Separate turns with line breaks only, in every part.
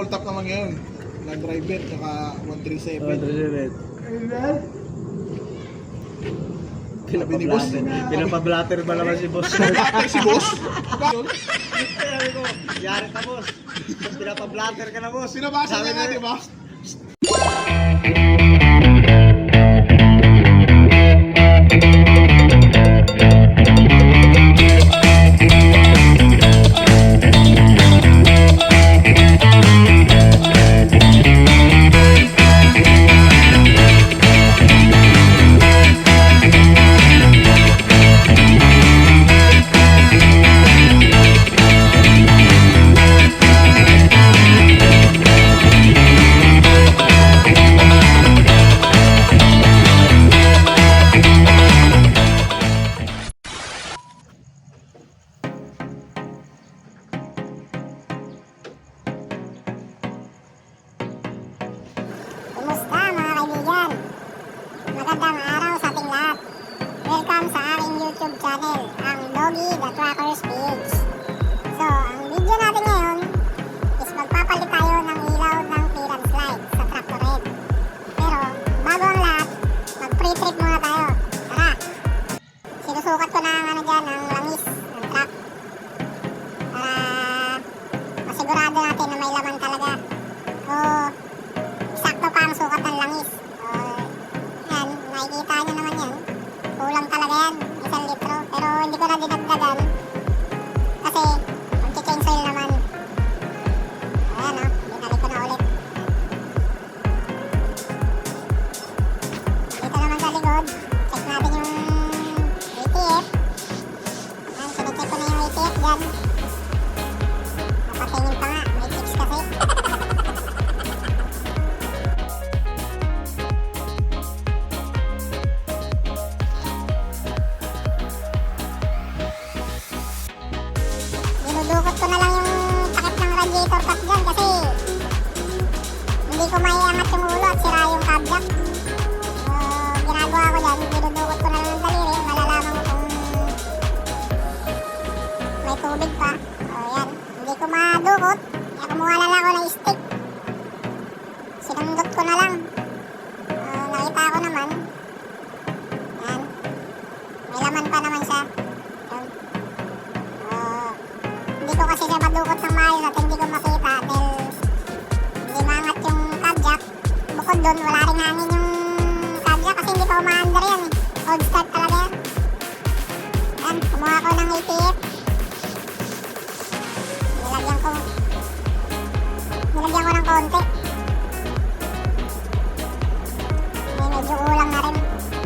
Full top naman ngayon. Land driver, tsaka 137.
137. Pinapablatter ba naman si boss?
Pinapablatter si boss?
Sabi ko, yari ka boss. Pinapablatter ka na boss.
Pinabasa niya nga, di ba?
Kumusta mga kaibigan? Magandang araw sa ating lahat. Welcome sa aking YouTube channel, ang Doggy the Tracker Speeds. So, ang video natin ngayon is magpapalit tayo ng ilaw ng clearance light sa tractor head. Pero, bago ang lahat, mag-pre-trip muna tayo. Tara! Sinusukat ko na ang dyan, ang langis ng truck. Para masigurado natin na may laman talaga. So, sakto pa ang sukat ng langis. Yan, nakikita nyo naman yan. Kulang talaga yan, 1 litro. Pero hindi ko na dinagdagan kasi mag-change oil naman. Ayan o, binalik ko na ulit. Dito naman sa likod, check natin yung ATF. Ayan, sinicheck ko na yung ATF dyan. Napatingin pa nga, may tips kasi. Dinudukot ko na lang yung takip ng radiator cut dyan kasi hindi ko maiangat yung ulo at sira yung kabjak. So, ginagawa ko dyan, dinudukot ko na lang ng daliri, malalaman ko kung may tubig pa. O yan, hindi ko madukot, kaya kumuha na lang ako ng stick. Sinundot ko na lang. Nakita ko naman, yan, may laman pa naman siya. Yan. Hindi ko kasi siya madukot ng maayos at hindi ko makita dahil hindi maangat yung kabjak. Bukod doon, wala rin hangin yung kabjak kasi hindi pa umaandar yan. Cold start talaga yan. Yan, kumuha ko ng ATF. Nilagyan ko ng konti. Medyo ulang na rin.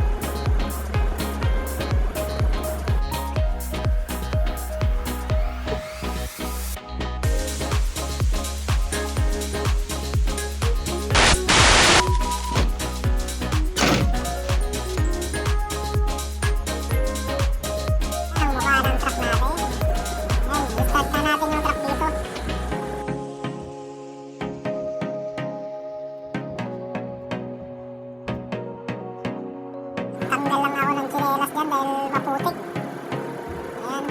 Ang mukha ng truck natin. Ayan, i-start na natin yung truck dito. Tanggal lang ako ng tsinelas dyan dahil maputik. Ayan.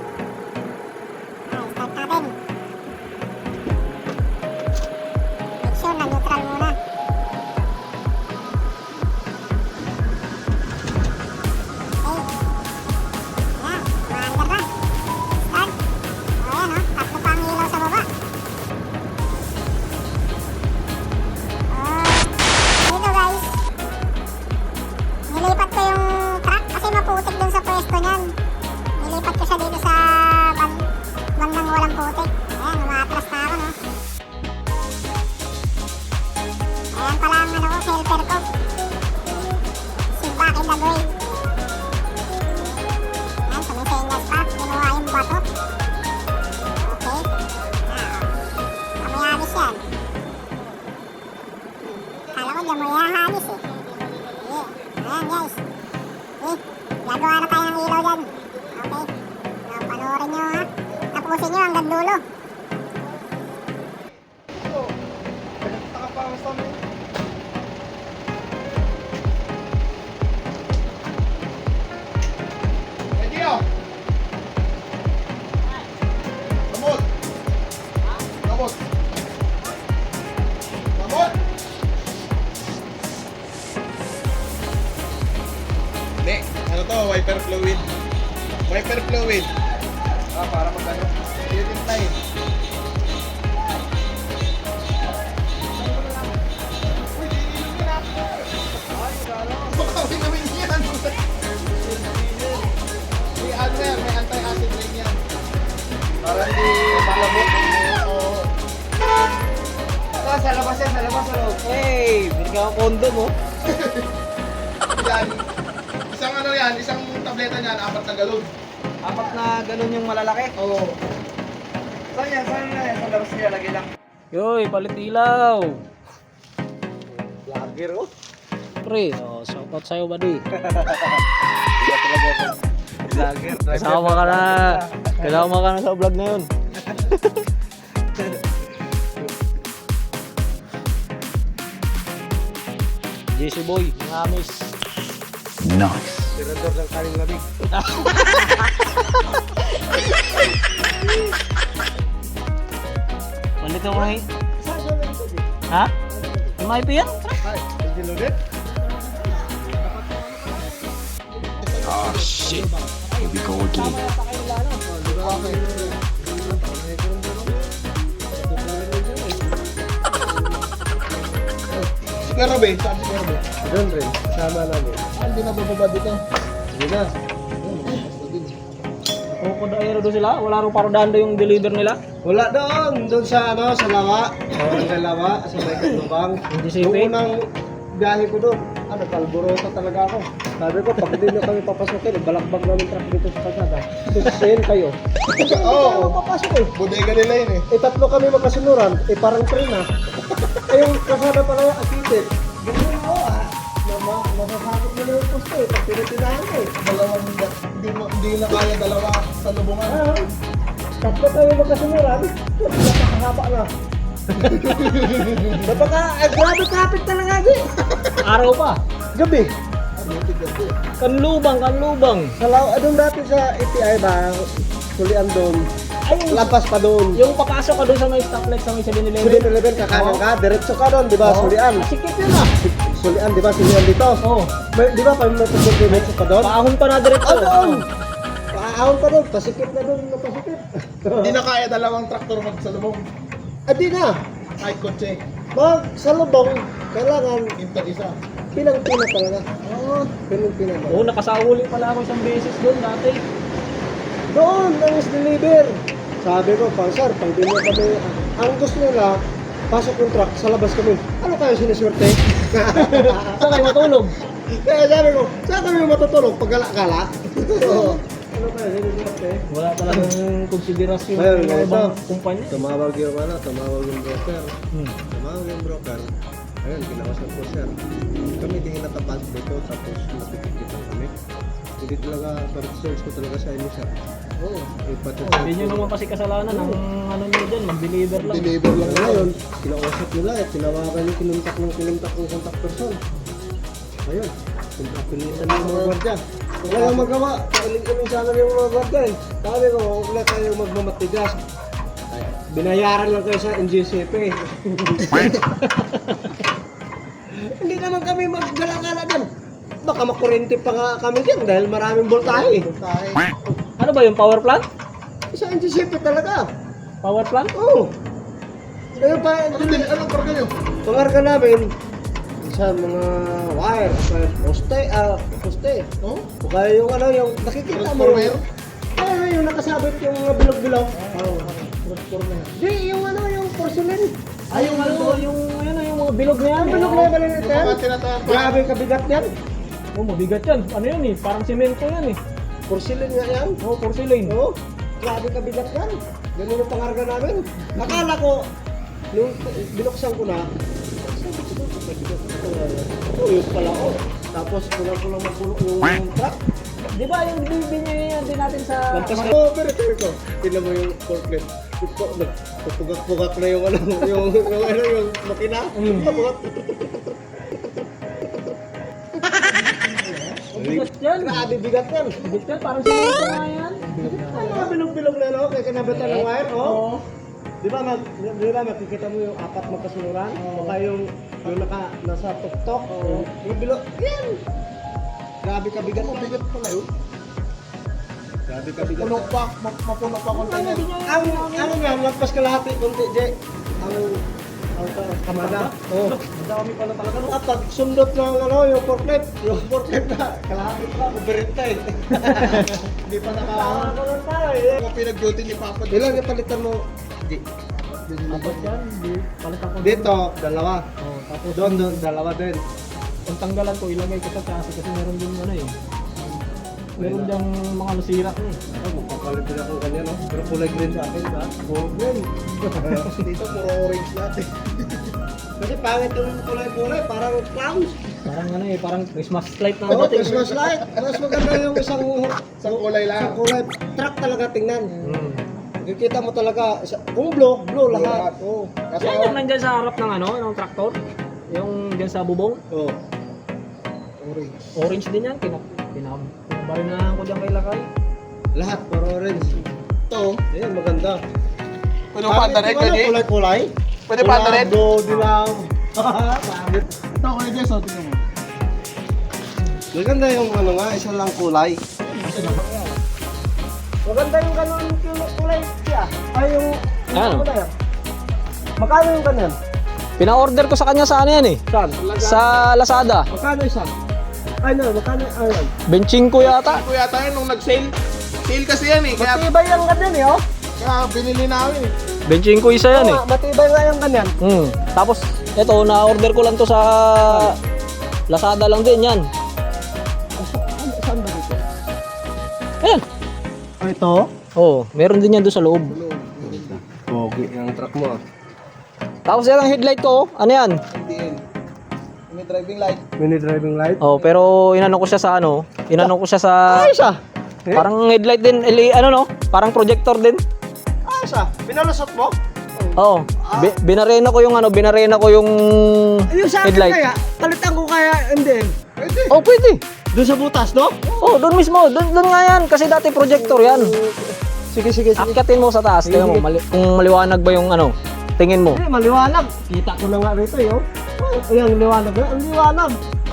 Start natin. Make sure na neutral muna. Okay. Ayan, umaandar na. Start. Ayan o, tatlo pa ang ilaw sa baba. Dito guys, nilipat ko yung truck kasi maputik dun sa pwesto niyan. Nilipat ko siya dito sa bandang walang putik. Ayan, umaatras na ako no. Ayan pala ang ano ko, helper ko. Si Back in the Grave. Ayan, sumisenyas pa. Kinuha yung bato. Okay. Kamayanis yan. Kala ko dyan mo yahanis eh. Ayan guys. Gagawa na tayo ng ilaw dyan. Okay. Panoorin nyo ha. Tapusin nyo hanggang dulo.
Ready o? Gamot. Gamot. Wiper fluid. Wiper fluid. Para magano. Yun yung tayo. Bakawin namin yan. May anti-acid rin yan. Para hindi malamot.
Sa labas yan, sa labas. Hey, bigyan ka kondo mo.
Yan. Isang ano yan, isang tableta niyan, 4 na galon.
4 na ganun yung malalaki.
Oo.
Saan yan? Sa labas niya, lagay lang.
Yoy, palit ilaw.
Lager, oh.
Pre, shout out sa'yo, buddy.
Iya talaga ako. Lager.
Kasama ka na. Kasama ka na sa vlog na yun. JC Boy, mga amis.
Tirador ng kaling lamig.
Palit ka mga Ha? May mga IP yan?
Ay, hindi loaded?
Sigaro ba? Saan sigaro ba?
Doon rin, sama namin.
Hindi na bababa dito.
Sige na.
O kung daero doon sila, wala rin parodando yung deliver nila.
Wala doon sa ano, sa Lawa. Sa Lawa, sa may Katubang.
Hindi
Yung
safe.
unang biyahe ko doon, kalburoto talaga ako. Sabi ko, pag hindi na kami papasukin, balakbag namin truck dito sa kalsada. Susayin kayo. Oo, papasok eh.
Bodega nila yun eh.
Eh, 3 kami magkasunuran, eh parang train ah. Eh, yung kasada pala yung akitin. Ganyan ako ah. Masasakot mo na yung posto eh, pag tinitinahan mo eh.
Hindi na kaya dalawa sa lubungan.
Ah, 3 kami magkasunuran, napakahaba na. Grabe traffic talaga eh.
Araw pa.
Gabi.
Kanlubang.
Sa doon dati sa API ba, sulian doon.
Ay,
Lampas pa doon.
yung papasok ka doon sa may stoplight sa may 7-Eleven.
7-Eleven, kakanan ka, diretso ka doon, di ba? Sulian.
Sikip yun ah.
Sulian, di ba? Sulian dito.
Oo.
Di ba? Pag may diretso ka doon?
Paahon pa na diretso.
Ah, doon! Paahon pa doon, pasikip na doon, pasikip.
Hindi na kaya dalawang traktor magsalubong.
Di na.
Kahit kotse.
Sa lubong, kailangan
Into isa.
pinang-pina talaga. Oo, pinang-pina talaga.
Oo, nakasahuli pala ako isang beses doon dati.
Doon, ang deliver. Sabi ko, sir, pag di mo kami, ang gusto nila, pasok yung truck, sa labas kami. Ano kayo siniswerte?
Saan kayo matulog?
Kaya sabi ko, saan kami matutulog? Pag gala-gala? Oo. Ano kayo siniswerte?
Wala talagang konsiderasyon
Ayun,
ng mga
ito.
ibang kumpanya.
Tumawag yung broker.
Hmm.
Tumawag yung broker. Ayun, kinawasan ko, sir. Kami din natapas dito, tapos napikit kami. Hindi talaga, search ko talaga sa inyo, sir. Oo.
Hindi nyo naman kasi kasalanan ang ano nyo dyan, mag-deliver lang.
Deliver lang na
Ngayon, kinausap nila tinawagan yung kinuntak ng contact person. Ayun, pinisan yung mga gwardiya. Wala yung magawa, kailing sana yung mga gwardiya eh. Sabi ko, huwag na kayo magmamatigas. Binayaran lang kayo sa NGCP. Hindi naman kami maggala-gala dyan. Baka makurente pa nga kami dyan dahil maraming voltahe.
Ano ba yung power plant?
Sa NGCP talaga.
Power plant?
Oo. Ngayon pa,
Anong karga nyo?
pangarga namin sa mga wire, sa poste.
Oh?
O kaya yung ano, yung nakikita mo
Transformer?
yung nakasabit yung mga bilog-bilog.
Oo. Transformer.
Di, yung ano, yung porcelain.
Ay, yung ano, yung mga bilog na yan.
Ang bilog na yung maliit
Yung
yan.
mga tinatawag pa.
Grabe kabigat yan.
Oh, mabigat yan. Ano yan eh, parang semento yan eh.
Porcelain nga yan.
Oh, porcelain.
Oo. Grabe kabigat yan. Ganun yung pangarga namin. Akala ko, nung binuksan ko na, yun pala ko. Tapos kulang ko lang magpulok yung truck.
Di ba yung binigyan din natin sa...
Lampas ko, pero sabi ko, tignan mo yung forklift. Pugak-pugak na yung ano, yung makina. Pugak.
Bigat yan.
Grabe bigat yan.
Bigat yan, parang semento nga yan.
Ang mga bilog-bilog na no, kaya kinabitan ng wire, oh.
Oo.
Di ba makikita mo yung 4 magkasunuran? O kaya yung nasa tuktok? Yung bilog, yan! Grabe kabigat.
Bigat pala yun.
Grabe kabigat.
Puno pa, mapuno pa container.
Ang nga, magpas kalahati konti, Je. Ang kamada. Oh.
Madami pala talaga. No?
Pag sundot ng yung forklift na, kalahati pa, uberita eh.
Hindi pa
Nakakaroon tayo eh.
Ako pinag-duty ni Papa.
Ilan yung palitan mo? Je.
Tapos yan, di palitan ko.
Dito, dalawa.
Oh, tapos
Doon, dalawa din.
kung tanggalan ko, ilagay ko sa chassis kasi meron din ano eh. Meron diyang mga nasira eh.
Magpapalit din ako kanya, no? Pero kulay green sa akin, ba? Gold green.
Dito puro orange natin.
Kasi pangit yung kulay-kulay, parang clowns.
Parang ano eh, parang Christmas light na
Oo,
dating.
Christmas light. Mas maganda yung isang
kulay lang.
Isang kulay. Truck talaga tingnan.
Hmm.
Nakikita mo talaga, kung blue lahat. Oo.
Kasi
Yan yung nandyan sa harap ng ano, ng traktor. Yung dyan sa bubong.
Oo.
orange.
Orange din yan, pinabarinahan ko dyan kay Lakay.
Lahat, puro orange.
Ito,
Ayan, maganda.
pwede pa anda rin, Kaji?
Kulay-kulay.
Pwede pa anda rin?
Blue, dilaw. Pangit.
Ito, Kuya Jess, o, tingnan mo.
Maganda yung ano nga, isa lang kulay. Maganda yung ganun kulay siya. Ay, yung
Ano?
kulay. Magkano yung ganun?
Pina-order ko sa kanya sa ano yan eh.
Saan?
Sa Lazada.
Magkano isa? Ay, no, magkano? Ayun.
Benching ko yata.
Kuya tayo nung nag-sale. Sale kasi yan eh, kaya
Matibay yung ganyan eh, oh.
binili namin eh.
Benching ko isa yan eh.
Oo nga, matibay nga yung ganyan.
Tapos, eto, na-order ko lang to sa Lazada lang din yan.
Saan ba dito?
Ayan.
Oh, ito?
Oh, meron din yan doon sa loob.
Pogi yung truck mo.
Tapos yan ang headlight ko, ano yan?
MDL. May driving light.
Mini driving light.
Oh, pero inano ko siya sa ano? Inano ko siya sa
Ayos ah.
parang headlight din, ano no? Parang projector din.
Ayos ah. Pinalusot mo?
Oh, binarena ko yung ano, binarena ko yung
Yung sa akin
headlight.
kaya, palitan ko kaya hindi.
Pwede.
Oh, pwede.
Doon sa butas, no?
Oh, doon mismo, doon nga yan kasi dati projector yan.
Sige, sige, sige.
Akyatin mo sa taas, tingnan mo kung maliwanag ba yung ano, tingin mo.
Hindi, maliwanag. Kita ko na nga rito, yo. Ayan, liwanag na. Ang liwanag.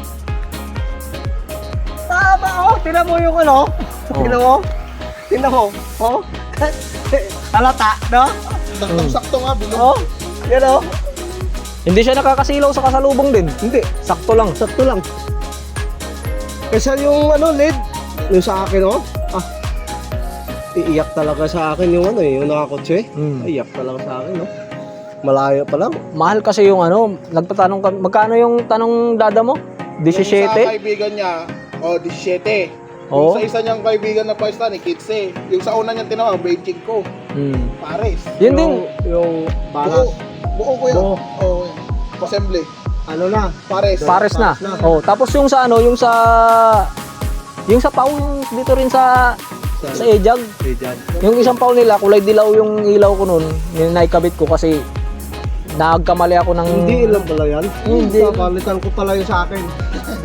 Tama, oh. Tingnan mo yung ano. Tingnan mo. Tingnan mo. Oh. Halata, no?
Saktong-sakto nga, bilog.
Oh. Yan, oh.
Hindi siya nakakasilaw sa kasalubong din.
Hindi.
Sakto lang.
Sakto lang. Kaysa yung ano, LED. Yung sa akin, oh. Ah. Iiyak talaga sa akin yung ano, yung nakakotse. Iiyak talaga sa akin, no? Malayo pa lang.
Mahal kasi yung ano, nagtatanong ka, magkano yung tanong dada mo?
Yung sa
17?
kaibigan niya, 17.
Oo.
Yung sa isa niyang kaibigan na pwesta ni Kitse. Yung sa una niyang tinawag, Beijing ko. Pares.
Yun din.
Yung balas.
Buo ko yan.
Buo.
Oo. Assembly.
Ano na?
Pares.
Pares na.
na.
Oh, tapos yung sa ano, yung sa Pau, yung dito rin sa Ejag. Yung isang Pau nila, kulay dilaw yung ilaw ko noon. Yung naikabit ko kasi nagkamali ako ng
Hindi ilang pala yan.
Hindi.
Palitan ko pala yung sa akin.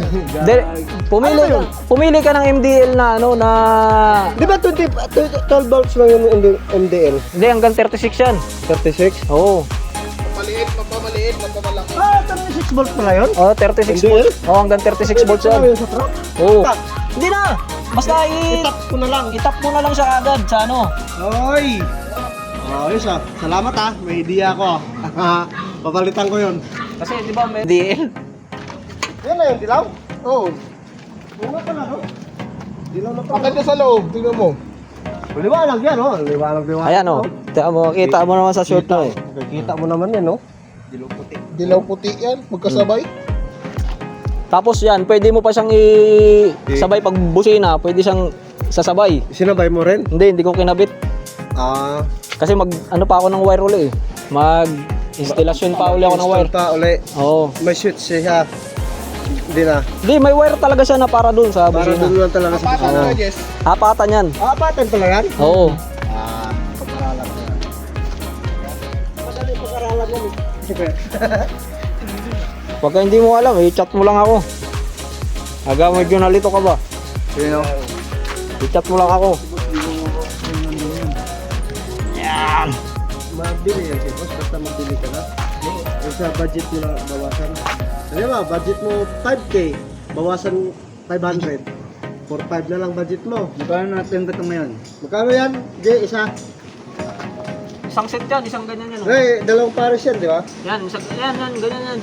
Pumili ka ng MDL na ano na
Di ba 12 volts lang yung MDL?
hindi hanggang 36 yan.
36?
Oo.
Mapamaliit, mapamalaki.
Ah, 36 volts pala yun?
Oh, 36
MDL?
volts. Oh, hanggang 36 volts yan.
Yung sa truck?
Oo. Hindi na. Basta
Itap ko na lang.
itap mo na lang siya agad sa ano.
Oy! Ayos ah. Salamat ah. May idea ako. Papalitan ko yun.
Kasi di ba may MDL?
Yan na yung dilaw?
Oo.
Una pala no? Dilaw na
Akit niya sa loob, tingnan mo.
Liwanag yan oh. Liwanag.
Ayan oh. Kita mo naman sa short na eh.
Kita mo naman yan no?
Dilaw puti yan, magkasabay.
Tapos yan, pwede mo pa siyang sabay pag busina, pwede siyang sasabay.
Sinabay mo rin?
Hindi ko kinabit.
Ah.
Kasi ano pa ako ng wire uli eh. Installation pa uli ako ng wire.
Pa uli.
Oo.
May switch siya. Hindi na.
Hindi, may wire talaga siya na para dun sa
Para
busina.
doon lang talaga sa
Pasan na, Jess.
Apatan yan.
Ah, patent pala yan?
Oo.
Ah, pag-aralan ko yan. Madali pag-aralan yan eh.
Pagka hindi mo alam, i-chat mo lang ako. Aga, medyo nalito ka ba?
Sino?
I-chat mo lang ako.
Yan! Mabili yan si boss, basta mabili ka na. Yung sa budget mo na bawasan. Ano ba, budget mo 5K, bawasan 500. 4-5 na lang budget mo.
Magkano natin ito ngayon?
Magkano yan? Jay, isa?
Isang set yan, isang ganyan yan. Oh.
Eh, dalawang pares yan, di ba?
Yan, yan, ganyan yan.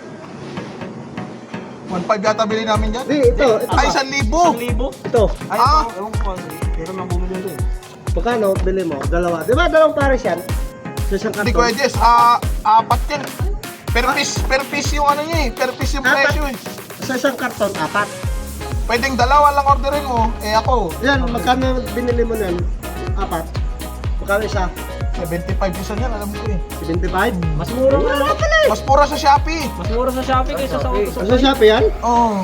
1.5 yata bili namin dyan.
Di, ito.
Ay, 1,000.
1,000?
Ito.
Ay,
Ah!
ewan ko kasi. Pero nang bumili yan.
Magkano bili mo? Dalawa. Di ba dalawang pares yan? Sa isang
Hindi
karton.
ko Jess, apat yan. Per piece yung ano niya eh. Per piece yung
Apat?
presyo eh.
Sa isang karton, 4.
Pwedeng dalawa lang orderin mo. Eh ako,
Yan, magkano binili mo yan? 4. Magkano isa?
75 isa yan, alam ko eh.
75?
Mas mura nga.
Mas mura sa Shopee.
Mas mura sa Shopee kaysa sa auto
Sa Shopee yan?
Oo.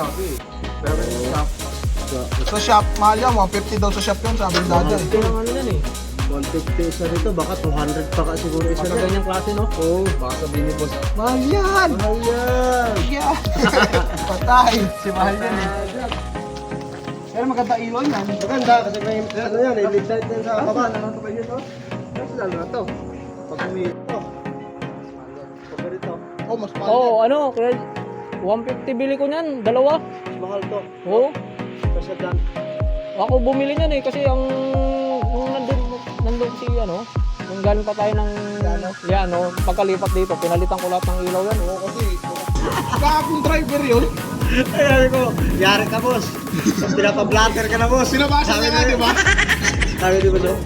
Sa shop, mahal yan. 150 daw sa shop yun, sabi ng dada eh.
Kaya ano yan eh.
150 isa rito, baka 200 pa ka siguro isa
Sa
na.
ganyang klase no?
Oo.
Baka sabihin ni boss.
Mahal yan!
Mahal yan.
Yeah. Patay.
Si mahal yan eh. Pero maganda ilon yan.
Maganda kasi may ano yan, eh, lead light yan sa baba.
Ano pa yun to? Mas lalo na to.
Pag umito. Pag dito,
Oh, mas mahal
Oo,
yan.
ano, kaya 150 bili ko niyan, dalawa.
mas mahal to.
Oo.
Kasi dyan.
Ako bumili niyan eh kasi ang nung nandun si ano, nung galing pa tayo ng Liano, pagkalipat dito, pinalitan ko lahat ng ilaw yan.
Oo, kasi kakong driver yun.
Ay, ko, yari ka, boss. Pinapa-blatter ka na, boss.
Sinabasa niya nga, di ba?
Sabi di ba, no?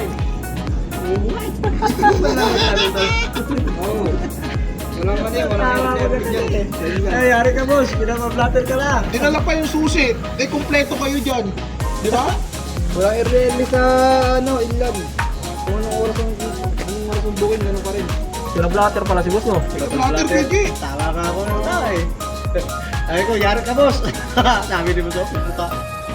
Walang mali, walang
Ay, yari ka, boss. Pinapa-blatter ka na.
Dinala pa yung susi. Eh, kumpleto kayo dyan. Di ba?
Walang early sa ano, inland. Kung anong oras ang bukin, gano'n pa rin.
Pinablatter pala si boss no?
Blatter Peggy.
Tama ka ako na ta, eh. Ay ko, yari ka, boss. Sabi di ba, no? Puta.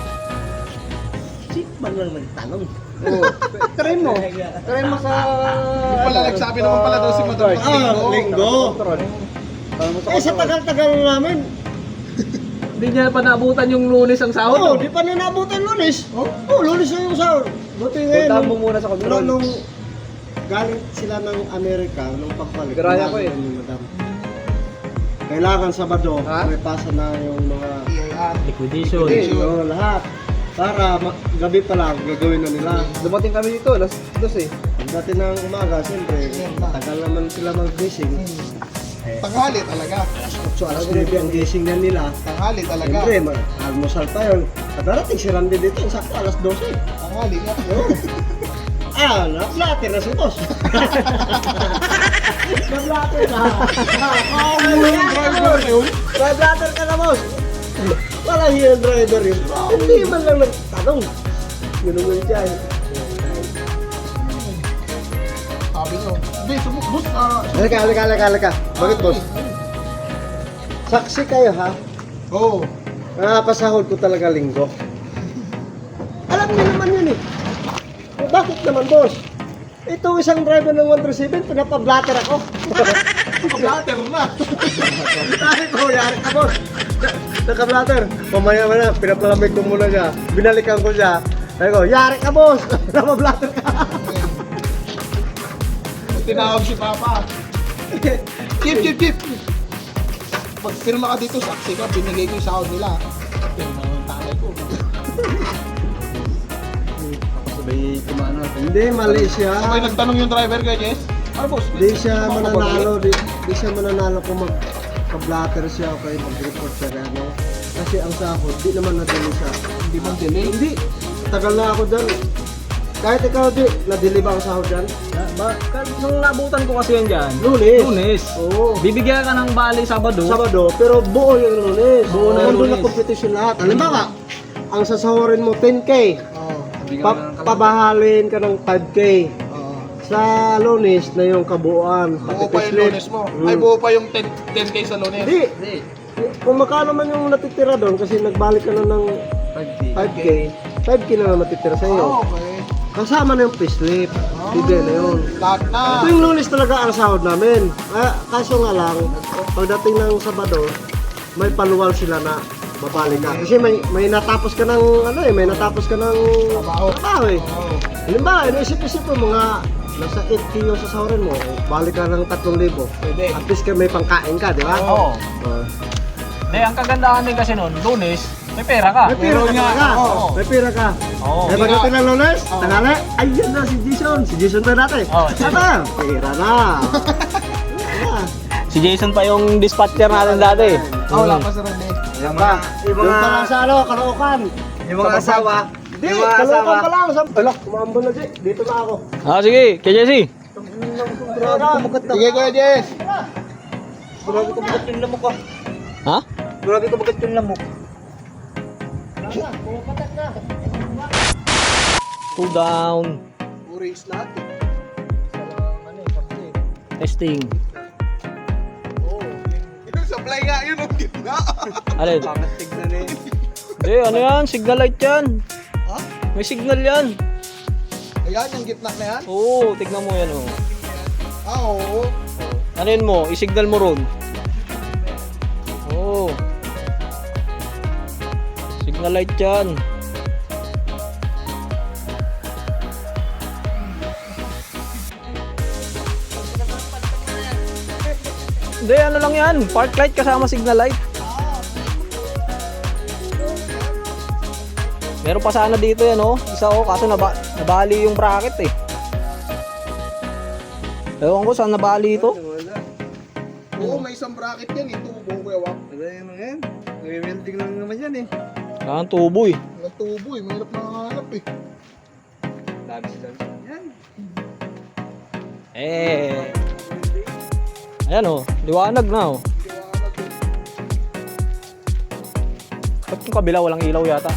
Sip man lang nagtanong.
Oo. Try mo. Try mo sa...
Yung pala, nagsabi naman pala daw si Madam
Linggo. Eh, sa tagal-tagal namin.
Hindi niya pa naabutan yung Lunes ang sahod.
Oo, di pa na naabutan lunes. Oo, lunes na yung sahod. Buti ngayon.
Punta mo muna sa control.
Nung galing sila ng Amerika, nung pagbalik.
Garaya ko eh.
sinabi ni Madam, kailangan Sabado,
Ha?
may pasa na yung mga
Liquidation.
lahat. Para gabi pa lang, gagawin na nila.
Dumating kami dito, alas 2 eh.
Pagdating ng umaga, siyempre, tagal naman sila mag-gising.
Tanghali talaga.
So, alas 9 ang gising na nila.
Tanghali talaga.
Siyempre, almusal pa yun. At darating si Randy dito, sakto alas 12.
Tanghali nga.
Na-flatter na si boss. Na-flatter na.
Yung driver na yun.
Na-flatter ka na, boss. Walang yung driver yun. Hindi man lang nagtanong. Ganun siya.
Sabi nyo. Hindi, sumukbus.
Halika. Bakit, boss? Saksi kayo, ha?
Oo.
Nakapasahod ko talaga linggo. Alam niyo naman yun eh. Bakit naman, boss? Ito isang driver ng 137, pinapablatter ako.
Blatter na.
Ay ko, yari ka, boss. Naka-blatter. Mamaya na, pinapalamig ko muna siya. Binalikan ko siya. Ay ko, yari ka, boss. Napablatter ka.
Tinawag si Papa. Chip. Pag firma ka dito, saksi ka, binigay ko yung sahod nila. Firma yung tatay ko.
Sabay kumano.
Hindi, mali siya.
Sabay nagtanong yung driver kay Jess. Ano boss?
Di siya mananalo. Di siya mananalo kung magka-blatter siya o kaya mag-report siya. Ano? Kasi ang sahod, di naman nadali siya.
Hindi bang delay?
Hindi. Tagal na ako dyan. Kahit ikaw, di, nadili ba ang sahod dyan?
Nung nabutan ko kasi yan dyan,
Lunes.
Lunes.
Oo.
Bibigyan ka ng bali Sabado.
Sabado, pero buo yung Lunes.
Buo na yung
Nandun na
Lunes.
competition lahat. Halimbawa, ang sasahurin mo 10K,
Oo.
pabahalin ka ng 5K.
Oo.
Sa Lunes na yung kabuuan.
Buo pa yung
Pati
lunes mo.
Mm.
Ay, buo pa yung 10K sa lunes.
Hindi. Kung magkano man yung natitira doon kasi nagbalik ka na ng 5K, 5K na lang matitira sa iyo.
Ah, okay.
Kasama na yung payslip. Hindi na yun.
Lahat na.
Ito yung Lunes talaga ang sahod namin. Kaso nga lang, pagdating ng Sabado, may paluwal sila na babalik ka. Kasi may natapos ka ng may natapos ka ng trabaho eh.
Oo.
Halimbawa, inisip-isip mo mga nasa 8K yung sasahurin mo, balik ka ng 3,000.
Pwede.
At least may pangkain ka, di ba?
Oo.
Oh.
Ang kagandahan din kasi nun, Lunes, May pera ka.
May pira ka talaga.
Oo.
May pira ka.
Oo.
Eh, pagdating ng Lunes, tanghali, ayun na si Jason. Si Jason tayo natin.
Oo.
Ano? Pira na. Wala.
Si Jason pa yung dispatcher natin dati.
Wala pa sa Rene.
Yung pa lang sa ano, Caloocan.
Yung mga asawa.
Hindi, Caloocan pa lang. Alak, kumambol na Jay. Dito na ako.
Ah, sige, kay Jesse.
Sige, Kuya Jess.
Grabe ko bagat yung lamok ah.
Ha?
Grabe ko bagat yung lamok.
Cool down.
Orange natin.
Testing.
Yung supply nga yun, ang gitna.
Alin?
Pangat tignan eh.
Hindi, ano yan? Signal light yan.
Ha?
May signal yan.
Ayan, yung gitna na yan.
Oo, tignan mo yan oh.
Oo.
Ano yun mo? I-signal mo ron. Oo. Signal light yan. Hindi, ano lang yan. Park light kasama signal light. Meron pa sana dito yan oh. Isa oh, kaso nabali yung bracket eh. Ewan ko saan nabali ito.
Oo, may isang bracket yan. Ito, buong kuya Wak.
Ano yan mga yan? Nag-welding lang naman yan eh.
Saan tubo eh.
Walang tubo eh. Mahirap nakahanap eh.
Dami sila. Yan.
Ayan oh, liwanag na oh. Ba't yung kabila walang ilaw yata?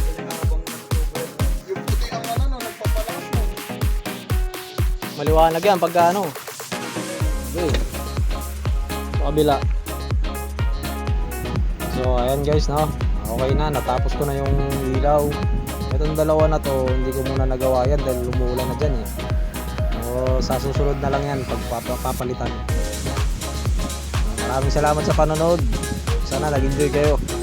Yung puti ang ano, nagpapalakas mo.
Maliwanag yan pagka ano. Okay. Sa kabila. So ayan guys no. Okay na, natapos ko na yung ilaw. Itong dalawa na to, hindi ko muna nagawa yan dahil lumuulan na dyan eh. So sa susunod na lang yan pagpapalitan. Maraming salamat sa panonood. Sana nag-enjoy kayo.